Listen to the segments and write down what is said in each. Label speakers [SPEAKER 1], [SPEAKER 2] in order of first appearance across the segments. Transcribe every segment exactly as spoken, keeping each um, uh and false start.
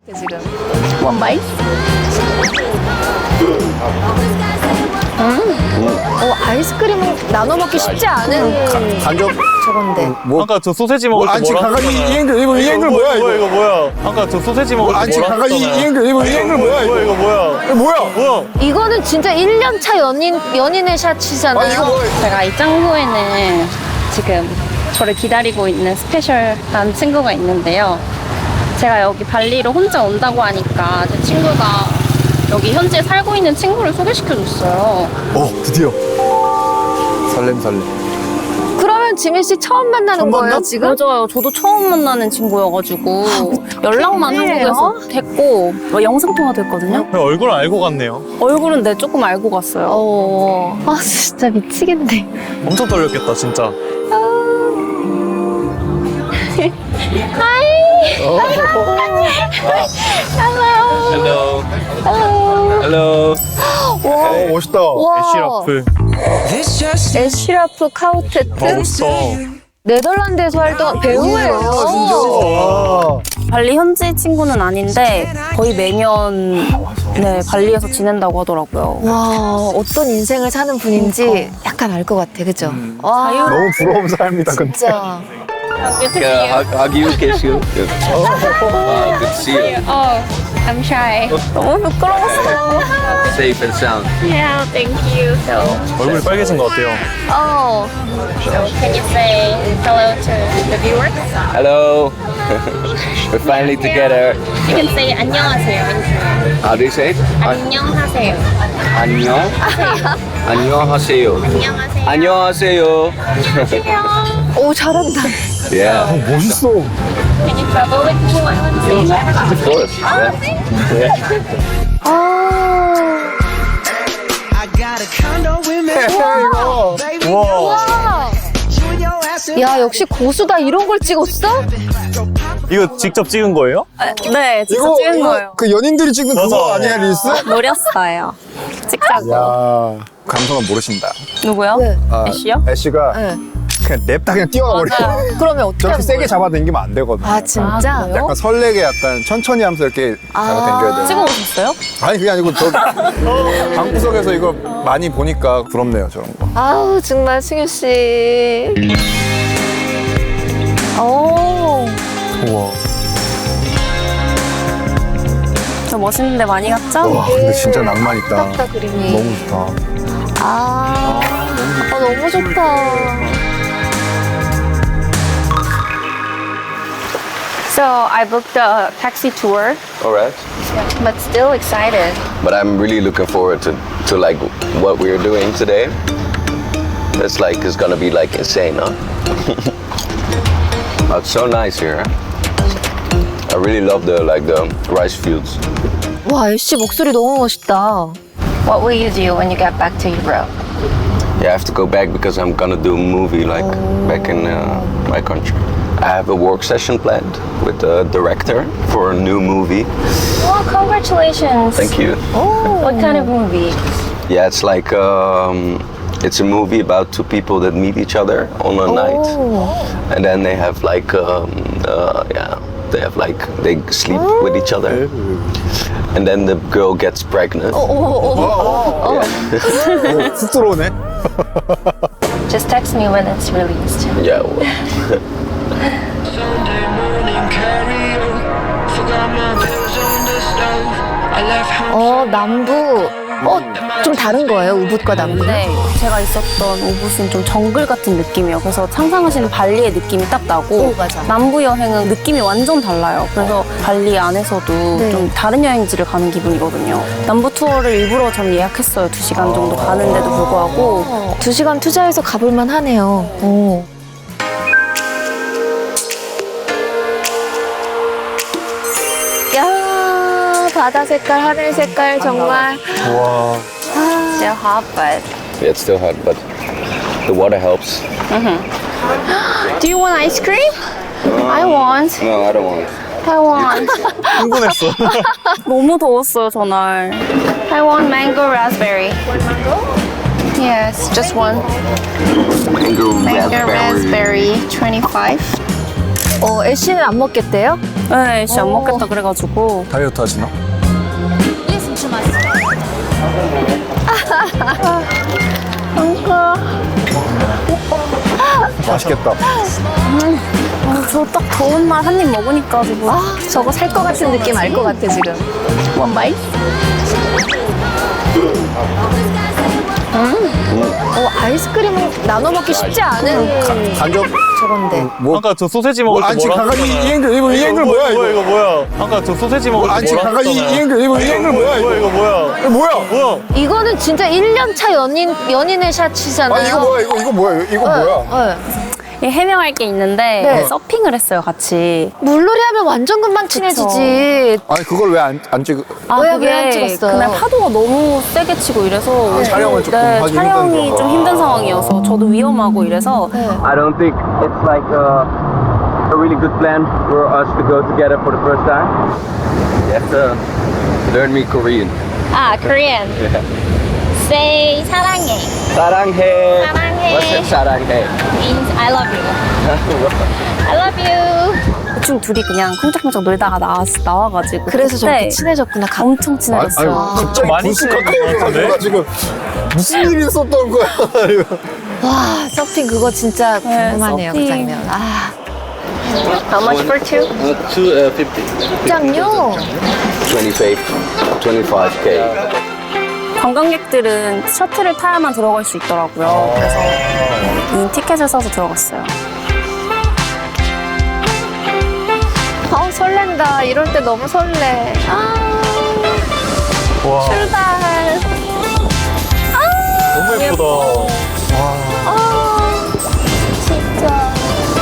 [SPEAKER 1] 지금 one bite. 음. 어, 아이스크림은 나눠 먹기 쉽지 않은
[SPEAKER 2] 간접
[SPEAKER 1] 저건데.
[SPEAKER 2] 뭐
[SPEAKER 3] 아까 저 소세지 먹을 때
[SPEAKER 2] 안치
[SPEAKER 3] 뭐라
[SPEAKER 2] 가가지 이
[SPEAKER 3] 했잖아요.
[SPEAKER 2] 앵글 이거 이 앵글 뭐야
[SPEAKER 3] 이거
[SPEAKER 2] 이거
[SPEAKER 3] 이거 뭐야? 아까 저 소세지 먹을 때
[SPEAKER 2] 안치
[SPEAKER 3] 뭐라
[SPEAKER 2] 가가지 이
[SPEAKER 3] 했잖아요.
[SPEAKER 2] 앵글 이거 이 앵글 뭐야
[SPEAKER 3] 이거
[SPEAKER 2] 이거
[SPEAKER 3] 이거 뭐야?
[SPEAKER 2] 이거 뭐야
[SPEAKER 3] 뭐야?
[SPEAKER 1] 이거는 진짜 일 년 차 연인, 연인의 샷이잖아요.
[SPEAKER 2] 아 이거 뭐야
[SPEAKER 4] 제가 이 짱구에는 지금 저를 기다리고 있는 스페셜한 친구가 있는데요. 제가 여기 발리로 혼자 온다고 하니까 제 친구가 여기 현지에 살고 있는 친구를 소개시켜줬어요.
[SPEAKER 2] 어 드디어 설렘 설렘
[SPEAKER 1] 그러면 지민 씨 처음 만나는
[SPEAKER 2] 처음
[SPEAKER 1] 거예요,
[SPEAKER 2] 만나?
[SPEAKER 1] 지금?
[SPEAKER 4] 맞아요. 저도 처음 만나는 친구여가지고 연락만 한국에서 됐고 뭐 영상통화도 했거든요.
[SPEAKER 3] 그냥 얼굴 알고 갔네요.
[SPEAKER 4] 얼굴은 네 조금 알고 갔어요.
[SPEAKER 1] 어. 아, 진짜 미치겠네.
[SPEAKER 3] 엄청 떨렸겠다 진짜.
[SPEAKER 4] Hello.
[SPEAKER 3] Hello. Hello.
[SPEAKER 2] 어 멋있다
[SPEAKER 1] 와.
[SPEAKER 3] 애쉬라프.
[SPEAKER 1] 애쉬라프 카우테트?
[SPEAKER 3] 멋있어.
[SPEAKER 1] 네덜란드에서 활동한 배우예요.
[SPEAKER 2] 와
[SPEAKER 4] 발리 현지 친구는 아닌데 거의 매년 네 발리에서 지낸다고 하더라고요.
[SPEAKER 1] 와, 어떤 인생을 사는 분인지 약간 알 것 같아, 그죠? 와,
[SPEAKER 2] 너무 부러운 삶이다 근데
[SPEAKER 1] 진짜.
[SPEAKER 5] Yeah, hug, hug you, kiss you. Good. Wow, good to see you.
[SPEAKER 4] Oh, I'm shy. 너무 부끄러웠어요.
[SPEAKER 5] Safe and sound.
[SPEAKER 4] Yeah, thank you. So,
[SPEAKER 3] 얼굴이 빨개진 것 같아요.
[SPEAKER 1] 어.
[SPEAKER 4] so can you say hello to the viewers?
[SPEAKER 5] Hello. We're finally together.
[SPEAKER 4] You can say 안녕하세요.
[SPEAKER 5] How do you say it?
[SPEAKER 4] 안녕하세요.
[SPEAKER 5] 안녕. 안녕하세요.
[SPEAKER 4] 안녕하세요.
[SPEAKER 5] 안녕하세요.
[SPEAKER 1] 오, 잘한다.
[SPEAKER 5] Yeah,
[SPEAKER 2] 멋있어
[SPEAKER 4] Can you travel with me one one day?
[SPEAKER 5] of course. Yeah.
[SPEAKER 1] 아.
[SPEAKER 2] 이거
[SPEAKER 3] 우와.
[SPEAKER 1] 와. 야, 역시 고수다. 이런 걸 찍었어?
[SPEAKER 3] 이거 직접 찍은 거예요?
[SPEAKER 4] 네, 진짜
[SPEAKER 2] 이거
[SPEAKER 4] 찍은
[SPEAKER 2] 이거
[SPEAKER 4] 거예요.
[SPEAKER 2] 그 연인들이 찍는 그거
[SPEAKER 3] 맞아.
[SPEAKER 2] 아니야 릴스?
[SPEAKER 4] 노렸어요. 찍자고.
[SPEAKER 2] 야 감성은 모르신다
[SPEAKER 4] 누구요?
[SPEAKER 1] 네.
[SPEAKER 2] 아,
[SPEAKER 4] 애쉬요?
[SPEAKER 2] 애쉬가
[SPEAKER 1] 네.
[SPEAKER 2] 그냥 냅다 그냥 뛰어가 버려
[SPEAKER 1] 그러면 어떻게
[SPEAKER 2] 저렇게
[SPEAKER 1] 하는
[SPEAKER 2] 세게
[SPEAKER 1] 거예요?
[SPEAKER 2] 잡아당기면 안 되거든
[SPEAKER 1] 아, 진짜?
[SPEAKER 4] 아, 그래요?
[SPEAKER 2] 약간 설레게 약간 천천히 하면서 이렇게 잡아당겨야 돼
[SPEAKER 4] 찍어 오셨어요?
[SPEAKER 2] 아니 그게 아니고 저 방구석에서 이거 많이 보니까 부럽네요 저런 거
[SPEAKER 1] 아우, 정말 승유 씨. 오.
[SPEAKER 3] 우와.
[SPEAKER 4] 저 멋있는데 많이 갔죠?
[SPEAKER 2] 와 근데 진짜 낭만 있다
[SPEAKER 1] 좋다, 그림이.
[SPEAKER 2] 너무 좋다
[SPEAKER 1] 아, 아, 너무 좋다.
[SPEAKER 4] So I booked a taxi tour,
[SPEAKER 5] All right.
[SPEAKER 4] but still excited.
[SPEAKER 5] But I'm really looking forward to, to like what we're doing today. It's like it's gonna be like insane, huh? Oh, it's so nice here. I really love the like the rice fields.
[SPEAKER 1] 와, 애쉬 목소리 너무 멋있다.
[SPEAKER 4] What will you do when you get back to Europe?
[SPEAKER 5] Yeah, I have to go back because I'm gonna do a movie like back in uh, my country. I have a work session planned with the director for a new movie.
[SPEAKER 4] Well, congratulations.
[SPEAKER 5] Thank you.
[SPEAKER 4] What kind of movie?
[SPEAKER 5] Yeah, it's like um, it's a movie about two people that meet each other on a night, and then they have like um, uh, yeah, they have like they sleep with each other, and then the girl gets pregnant.
[SPEAKER 2] 오, 훅 들어오네
[SPEAKER 4] Just text me when it's released.
[SPEAKER 5] Yeah. Well,
[SPEAKER 6] Sunday morning karaoke. Forgot my pills on the stove. I left home.
[SPEAKER 1] 어, 남부. 어, 좀 다른 거예요, 우붓과 남부?
[SPEAKER 4] 네, 제가 있었던 오붓은 좀 정글 같은 느낌이에요. 그래서 상상하시는 발리의 느낌이 딱 나고
[SPEAKER 1] 오, 맞아.
[SPEAKER 4] 남부 여행은 느낌이 완전 달라요. 그래서 발리 안에서도
[SPEAKER 1] 네.
[SPEAKER 4] 좀 다른 여행지를 가는 기분이거든요. 남부 투어를 일부러 전 예약했어요. 두 시간 정도 가는데도 불구하고.
[SPEAKER 1] 두 시간 투자해서 가볼만 하네요. 오. 야, 바다 색깔, 하늘 색깔, 정말.
[SPEAKER 3] 우와.
[SPEAKER 4] Still hot, but
[SPEAKER 5] yeah, it's still hot, but the water helps.
[SPEAKER 4] do you want ice cream? I want.
[SPEAKER 5] No, I don't want.
[SPEAKER 4] I want.
[SPEAKER 3] 흥분했어.
[SPEAKER 4] 너무 더웠어요, 저날. I want mango raspberry. Yes, just one.
[SPEAKER 5] Mango,
[SPEAKER 4] Mango raspberry, twenty-five.
[SPEAKER 1] 어, 애쉬는 안 먹겠대요?
[SPEAKER 4] 네, 씨 안 먹겠다 그래가지고.
[SPEAKER 2] 다이어트 하시나? 맛있겠다.
[SPEAKER 4] 저 딱 더운 날 한 입 먹으니까 지금.
[SPEAKER 1] 아, 저거 살 것 같은 느낌 알 것 같아 지금.
[SPEAKER 4] 원 바이?
[SPEAKER 1] 어, 아이스크림은 나눠 먹기 쉽지 않은
[SPEAKER 2] 간접
[SPEAKER 1] 저건데.
[SPEAKER 2] 뭐
[SPEAKER 3] 아까 저 소세지 먹을 때
[SPEAKER 2] 아니
[SPEAKER 3] 뭐라
[SPEAKER 2] 가까 이
[SPEAKER 3] 했잖아요.
[SPEAKER 2] 이 앵글 이거 이 앵글 뭐야
[SPEAKER 3] 이거
[SPEAKER 2] 이거?
[SPEAKER 3] 이거 뭐야? 아까 저 소세지 먹을 때
[SPEAKER 2] 아니
[SPEAKER 3] 뭐라
[SPEAKER 2] 가까 이
[SPEAKER 3] 했잖아요.
[SPEAKER 2] 앵글 이거 이 앵글 뭐야
[SPEAKER 3] 뭐야
[SPEAKER 2] 이거?
[SPEAKER 3] 이거 뭐야?
[SPEAKER 2] 이거 뭐야?
[SPEAKER 3] 뭐야?
[SPEAKER 1] 이거는 진짜 일 년 차 연인 연인의 샷이잖아요.
[SPEAKER 2] 아니 이거 뭐야 이거 이거 뭐야 이거 뭐야?
[SPEAKER 1] 네.
[SPEAKER 4] 예, 해명할 게 있는데
[SPEAKER 1] 네.
[SPEAKER 4] 서핑을 했어요 같이.
[SPEAKER 1] 물놀이 하면 완전 금방 친해지지.
[SPEAKER 2] 아니 그걸 왜 안 안 찍어?
[SPEAKER 1] 왜,
[SPEAKER 4] 그게
[SPEAKER 1] 왜안 찍었어요?
[SPEAKER 4] 그날 파도가 너무 세게 치고 이래서
[SPEAKER 2] 아, 촬영을 조금
[SPEAKER 4] 네,
[SPEAKER 2] 하기
[SPEAKER 4] 촬영이
[SPEAKER 2] 힘든
[SPEAKER 4] 좀
[SPEAKER 2] 거.
[SPEAKER 4] 힘든 상황이어서 저도 위험하고 이래서
[SPEAKER 7] I don't think it's like a, a really good plan for us to go together for the first time. You have to learn me Korean.
[SPEAKER 4] 아 Korean. Say 사랑해.
[SPEAKER 7] 사랑해.
[SPEAKER 4] 사랑해.
[SPEAKER 7] What's it? 사랑해.
[SPEAKER 4] Means I love you. I love you. 대충 둘이 그냥 쿵짝쿵짝 놀다가 나와, 나와가지고
[SPEAKER 1] 그래서 저렇게
[SPEAKER 4] 그때
[SPEAKER 1] 친해졌구나. 가-
[SPEAKER 4] 엄청
[SPEAKER 2] 아니,
[SPEAKER 4] 친해졌어요.
[SPEAKER 2] 아니 갑자기
[SPEAKER 3] 많이
[SPEAKER 2] 불쑥
[SPEAKER 3] 친해진 것
[SPEAKER 2] 가까워져가지고
[SPEAKER 3] 같은데?
[SPEAKER 2] 나 지금 무슨 일이 있었던 거야?
[SPEAKER 1] 와, 서핑 그거 진짜
[SPEAKER 4] 네,
[SPEAKER 1] 궁금하네요, 그
[SPEAKER 4] 서핑.
[SPEAKER 1] 장면. 아,
[SPEAKER 4] How much for two?
[SPEAKER 7] Uh, two uh, fifty.
[SPEAKER 1] 입장료.
[SPEAKER 5] twenty-five, twenty-five K.
[SPEAKER 4] 관광객들은 셔틀을 타야만 들어갈 수 있더라고요. 그래서 이 티켓을 사서 들어갔어요.
[SPEAKER 1] 아, 설렌다. 이럴 때 너무 설레. 아,
[SPEAKER 3] 와
[SPEAKER 1] 출발.
[SPEAKER 3] 너무 예쁘다.
[SPEAKER 1] 아, 진짜.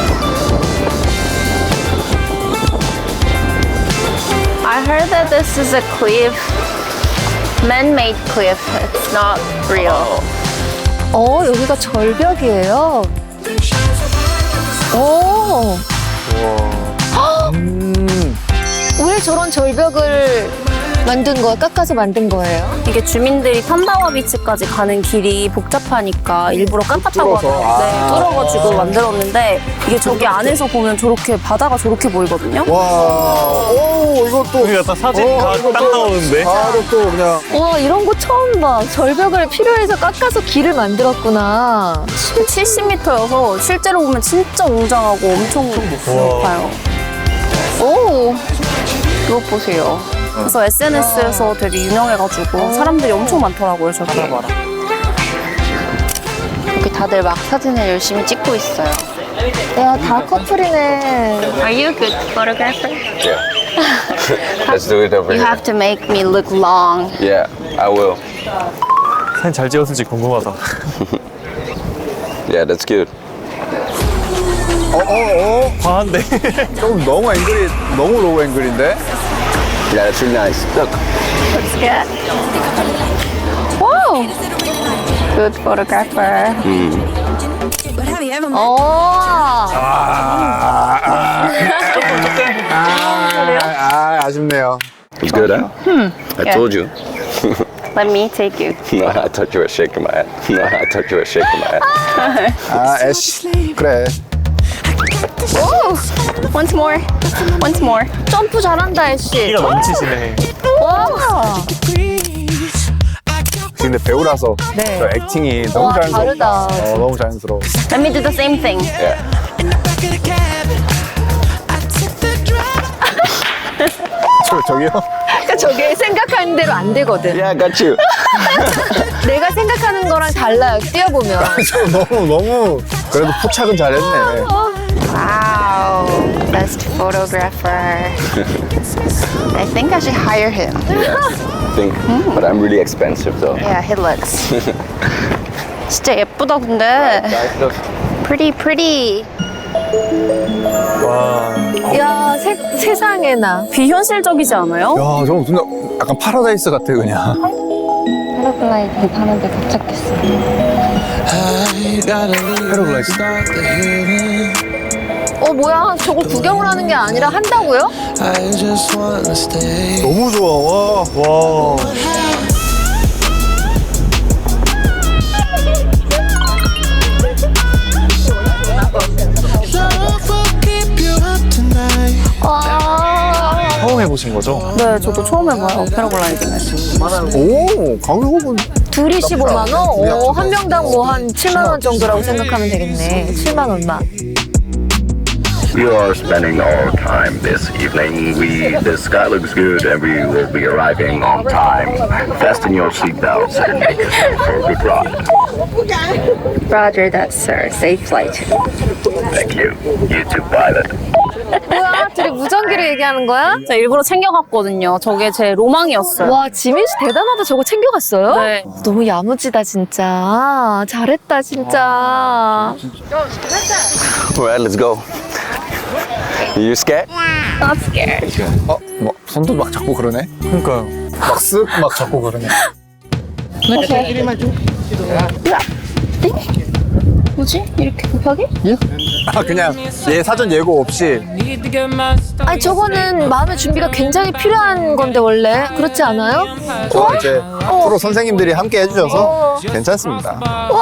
[SPEAKER 4] I heard that this is a cliff, man-made cliff. It's not real.
[SPEAKER 1] 어, 여기가 절벽이에요. 오. 왜 저런 절벽을 만든 거예요? 깎아서 만든 거예요?
[SPEAKER 4] 이게 주민들이 탄다와 비치까지 가는 길이 복잡하니까 일부러 깜빡하고
[SPEAKER 2] 뚫어서.
[SPEAKER 4] 네, 뚫어가지고 만들었는데 이게 저기 안에서 보면 저렇게 바다가 저렇게 보이거든요.
[SPEAKER 2] 와, 오 이것도
[SPEAKER 3] 그러니까 딱 사진
[SPEAKER 2] 어,
[SPEAKER 3] 다
[SPEAKER 2] 이거
[SPEAKER 3] 딱
[SPEAKER 2] 또
[SPEAKER 3] 나오는데.
[SPEAKER 2] 바로 또 그냥
[SPEAKER 1] 와, 이런 거 처음 봐. 절벽을 필요해서 깎아서 길을 만들었구나.
[SPEAKER 4] 칠십 미터여서 실제로 보면 진짜 웅장하고 엄청 높아요. 오, 이거 보세요. 그래서 에스엔에스에서 되게 유명해가지고 사람들이 엄청 많더라고요, 저기. 여기 다들 막 사진을 열심히 찍고 있어요.
[SPEAKER 1] 야, 다 커플이네.
[SPEAKER 4] Are you a good photographer?
[SPEAKER 5] Yeah. Let's do it over
[SPEAKER 4] You
[SPEAKER 5] here.
[SPEAKER 4] have to make me look long.
[SPEAKER 5] Yeah, I will.
[SPEAKER 3] 사진 잘 찍었을지 궁금하다.
[SPEAKER 5] Yeah, that's good.
[SPEAKER 2] 어어어
[SPEAKER 3] 과한데.
[SPEAKER 2] 좀 너무 앵글이 너무 로우 앵글인데?
[SPEAKER 5] Yeah, that's really nice. Look.
[SPEAKER 4] Looks good. Whoa! Good photographer.
[SPEAKER 1] 어.
[SPEAKER 2] 아, 아쉽네요.
[SPEAKER 5] It's good, huh? I
[SPEAKER 4] Yeah.
[SPEAKER 5] told you.
[SPEAKER 4] Let me take you.
[SPEAKER 5] No, I thought you were shaking my head. No, I thought you were shaking my head.
[SPEAKER 2] 아, 애쉬. 그래.
[SPEAKER 4] Whoa! Once more. Once more.
[SPEAKER 1] 점프 잘한다, 애쉬.
[SPEAKER 3] 끼가 넘치시네.
[SPEAKER 1] 와.
[SPEAKER 2] 근데 배우라서
[SPEAKER 1] 네.
[SPEAKER 2] 저 액팅이 너무
[SPEAKER 1] 와,
[SPEAKER 2] 자연스럽다.
[SPEAKER 1] 다르다.
[SPEAKER 2] 어, 너무 자연스러워.
[SPEAKER 4] Let me do the same thing.
[SPEAKER 5] Yeah.
[SPEAKER 2] 저, 저기요?
[SPEAKER 1] 그러니까 저게 생각하는 대로 안 되거든.
[SPEAKER 5] Yeah, I got you.
[SPEAKER 1] 내가 생각하는 거랑 달라요, 뛰어보면.
[SPEAKER 2] 저 너무, 너무. 그래도 포착은 잘했네.
[SPEAKER 4] Wow. Best photographer. I think I should hire him.
[SPEAKER 5] I think. But I'm really expensive though.
[SPEAKER 4] Yeah, he looks. 진짜 예쁘다, 근데.
[SPEAKER 5] Guys, look.
[SPEAKER 4] Pretty, pretty.
[SPEAKER 3] 와.
[SPEAKER 1] 야, 세, 세상에나.
[SPEAKER 4] 비현실적이지 않아요?
[SPEAKER 2] 야, 저거 진짜 약간 파라다이스 같아, 그냥.
[SPEAKER 4] 패러글라이딩 타는데 도착했어.
[SPEAKER 2] 패러글라이딩.
[SPEAKER 1] 어, 뭐야. 저걸 구경을 하는 게 아니라 한다고요?
[SPEAKER 6] I just wanna stay.
[SPEAKER 2] 너무 좋아, 와.
[SPEAKER 3] 와.
[SPEAKER 6] Love will keep you up tonight.
[SPEAKER 1] 와.
[SPEAKER 3] 해보신 거죠?
[SPEAKER 4] 네, 저도 처음 해봐요. 패러글라이딩을.
[SPEAKER 2] 오, 가격은
[SPEAKER 1] 둘이 십오만 원? 오, 한 명당 뭐 한 칠만 원 정도라고 생각하면 되겠네. 칠만 얼마.
[SPEAKER 8] You are spending our time this evening. We the sky looks good and we will be arriving on time. Fasten your seatbelts and make us for a good ride.
[SPEAKER 4] Roger that, sir. Safe flight.
[SPEAKER 8] Thank you. You too, pilot.
[SPEAKER 1] 뭐야, 둘이 무전기를 얘기하는 거야?
[SPEAKER 4] 제가 일부러 챙겨갔거든요. 저게 제 로망이었어요.
[SPEAKER 1] 와, 지민 씨 대단하다. 저거 챙겨갔어요?
[SPEAKER 4] 네.
[SPEAKER 1] 너무 야무지다, 진짜. 잘했다, 진짜.
[SPEAKER 5] Alright, let's go. You scared?
[SPEAKER 4] Not scared.
[SPEAKER 2] 어, 뭐 손도 막 잡고 그러네.
[SPEAKER 3] 그러니까요.
[SPEAKER 2] 막 쓱 막 잡고 그러네.
[SPEAKER 4] 뭐지? 이렇게 급하게?
[SPEAKER 2] 아 그냥 얘 사전 예고 없이.
[SPEAKER 1] 아니, 저거는 마음의 준비가 굉장히 필요한 건데, 원래. 그렇지 않아요?
[SPEAKER 2] 저 이제 프로 선생님들이 함께 해주셔서 괜찮습니다.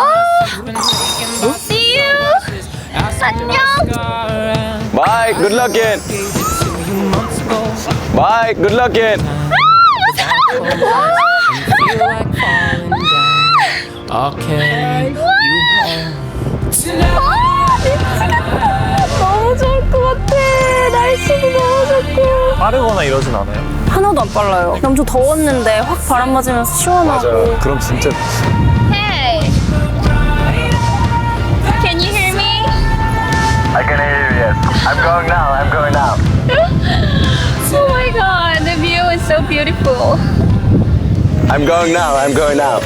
[SPEAKER 4] See you. 안녕.
[SPEAKER 5] Bye, good luck in. Bye, good luck in.
[SPEAKER 1] 너무 좋을 것 같아. 날씨도 너무 좋고.
[SPEAKER 3] 빠르거나 이러진 않아요?
[SPEAKER 4] 하나도 안 빨라요. 엄청 더웠는데 확 바람 맞으면서 시원하고.
[SPEAKER 3] 그럼 진짜
[SPEAKER 4] Hey. Can you hear me?
[SPEAKER 8] I can hear you. Yes. I'm going now. I'm going now.
[SPEAKER 4] Oh my god, the view is so beautiful.
[SPEAKER 5] I'm going now, I'm going now.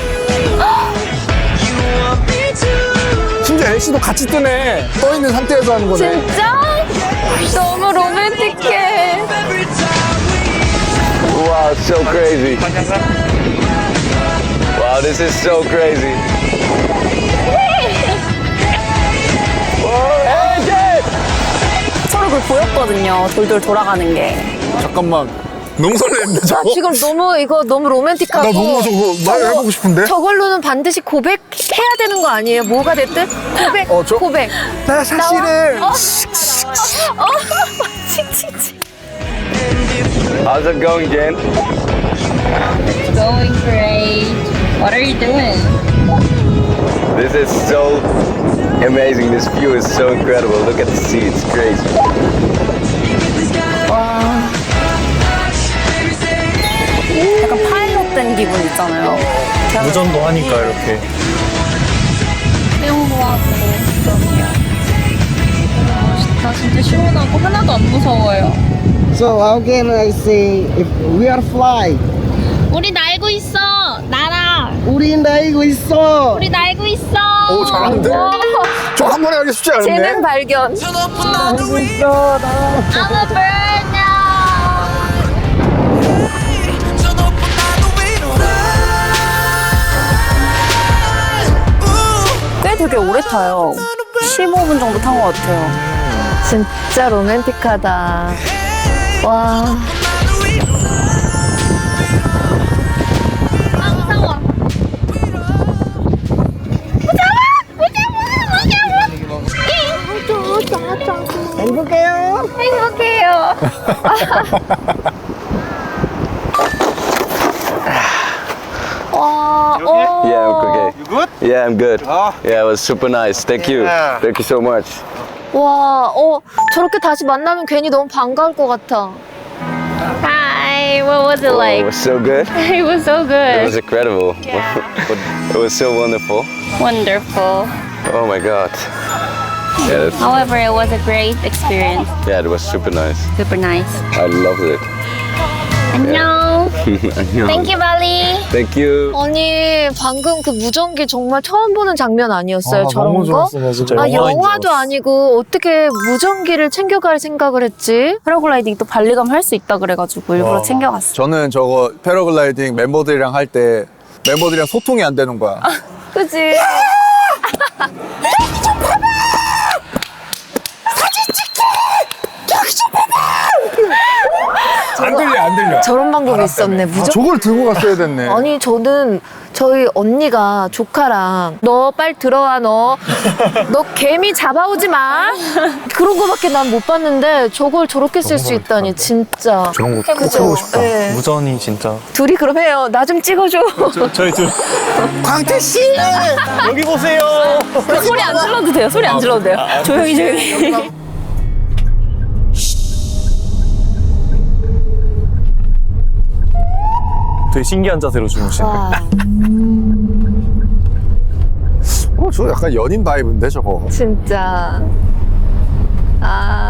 [SPEAKER 2] 심지어 엘씨도 같이 뜨네. 떠 있는 상태에서 하는 거네.
[SPEAKER 1] 진짜? 너무 로맨틱해.
[SPEAKER 5] Wow, so crazy. Wow, this is so crazy. Hey, Jay!
[SPEAKER 4] 서로 그걸 보였거든요. 돌돌 돌아가는 게.
[SPEAKER 2] 잠깐만. 너무 설레는데 저거?
[SPEAKER 1] 지금 너무 이거 너무 로맨틱하고.
[SPEAKER 2] 나 너무 저거 말 해보고 싶은데?
[SPEAKER 1] 저걸로는 반드시 고백해야 되는 거 아니에요? 뭐가 됐든 고백.
[SPEAKER 2] 어, 저-
[SPEAKER 1] 고백.
[SPEAKER 2] 나 사실은
[SPEAKER 1] 어? 어? 칙칙칙.
[SPEAKER 5] How's it going, Jen?
[SPEAKER 4] Going great. What are you doing?
[SPEAKER 5] This is so amazing. This view is so incredible. Look at the sea, it's crazy.
[SPEAKER 4] 약간 파일럿 된 기분 있잖아요.
[SPEAKER 3] 무전도 하니까 이렇게.
[SPEAKER 4] 수영도 하고 그러네요. 멋있다. 진짜 시원하고 하나도 안 무서워요.
[SPEAKER 9] So how can I say if we are fly?
[SPEAKER 4] 우리 날고 있어. 날아.
[SPEAKER 9] 우리 날고 있어.
[SPEAKER 4] 우리 날고 있어.
[SPEAKER 2] 오 잘하는데? 저 한 번에 하기 쉽지
[SPEAKER 1] 재능
[SPEAKER 2] 않은데?
[SPEAKER 1] 발견.
[SPEAKER 9] 날고 있어. 나.
[SPEAKER 4] I'm a bird now. 꽤 되게 오래 타요. 십오 분 정도 탄 것 같아요.
[SPEAKER 1] 진짜 로맨틱하다. 와.
[SPEAKER 4] 아, 무서워.
[SPEAKER 9] 행복해요.
[SPEAKER 4] 행복해요.
[SPEAKER 1] 와. 어.
[SPEAKER 5] Yeah, I'm okay. You good? Yeah, I'm good. Yeah, it was super nice. Thank you. Thank you so much.
[SPEAKER 1] 와. 어. 저렇게 다시 만나면 괜히 너무 반가울 것 같아.
[SPEAKER 4] Hi, what was it
[SPEAKER 5] Oh, it
[SPEAKER 4] like?
[SPEAKER 5] was so good.
[SPEAKER 4] It was so
[SPEAKER 5] It was
[SPEAKER 4] good.
[SPEAKER 5] incredible. It was so wonderful.
[SPEAKER 4] Wonderful.
[SPEAKER 5] Oh my god. Yeah, that's,
[SPEAKER 4] However, it was a great experience.
[SPEAKER 5] yeah, it was super nice.
[SPEAKER 4] Super nice.
[SPEAKER 5] I loved it.
[SPEAKER 4] 안녕. Thank you, Bali.
[SPEAKER 5] Thank you.
[SPEAKER 1] 아니, 방금 그 무전기 정말 처음 보는 장면 아니었어요? 저런
[SPEAKER 3] 너무
[SPEAKER 1] 거?
[SPEAKER 3] 좋았어, 나 진짜.
[SPEAKER 1] 아,
[SPEAKER 3] 영화인 줄
[SPEAKER 1] 영화도
[SPEAKER 3] 알았어.
[SPEAKER 1] 아니고 어떻게 무전기를 챙겨갈 생각을 했지?
[SPEAKER 4] 패러글라이딩 또 발리감 할 수 있다 그래가지고 일부러
[SPEAKER 3] 와.
[SPEAKER 4] 챙겨갔어.
[SPEAKER 2] 저는 저거 패러글라이딩 멤버들이랑 할 때 멤버들이랑 소통이 안 되는 거야.
[SPEAKER 1] 그치?
[SPEAKER 2] 안 들려, 안 들려.
[SPEAKER 1] 저런 방법이 있었네.
[SPEAKER 2] 아,
[SPEAKER 1] 무조건.
[SPEAKER 2] 저걸 들고 갔어야 됐네.
[SPEAKER 1] 아니 저는 저희 언니가 조카랑 너 빨리 들어와 너 너 개미 잡아오지 마 그런 거밖에 난 못 봤는데 저걸 저렇게 쓸 수 있다니 진짜
[SPEAKER 3] 저런 거 꼭
[SPEAKER 1] 그죠?
[SPEAKER 3] 해보고 싶다.
[SPEAKER 1] 네.
[SPEAKER 3] 무전이 진짜.
[SPEAKER 1] 둘이 그럼 해요. 나 좀 찍어줘.
[SPEAKER 3] 저, 저희 둘.
[SPEAKER 2] 광태 씨!
[SPEAKER 3] 여기 보세요.
[SPEAKER 1] 소리 안 질러도 돼요. 소리 안 질러도 돼요. 조용히 조용히.
[SPEAKER 3] 되게 신기한 자세로 주무시네.
[SPEAKER 1] 와
[SPEAKER 2] 어, 저 약간 연인 바이브인데, 저거.
[SPEAKER 1] 진짜 아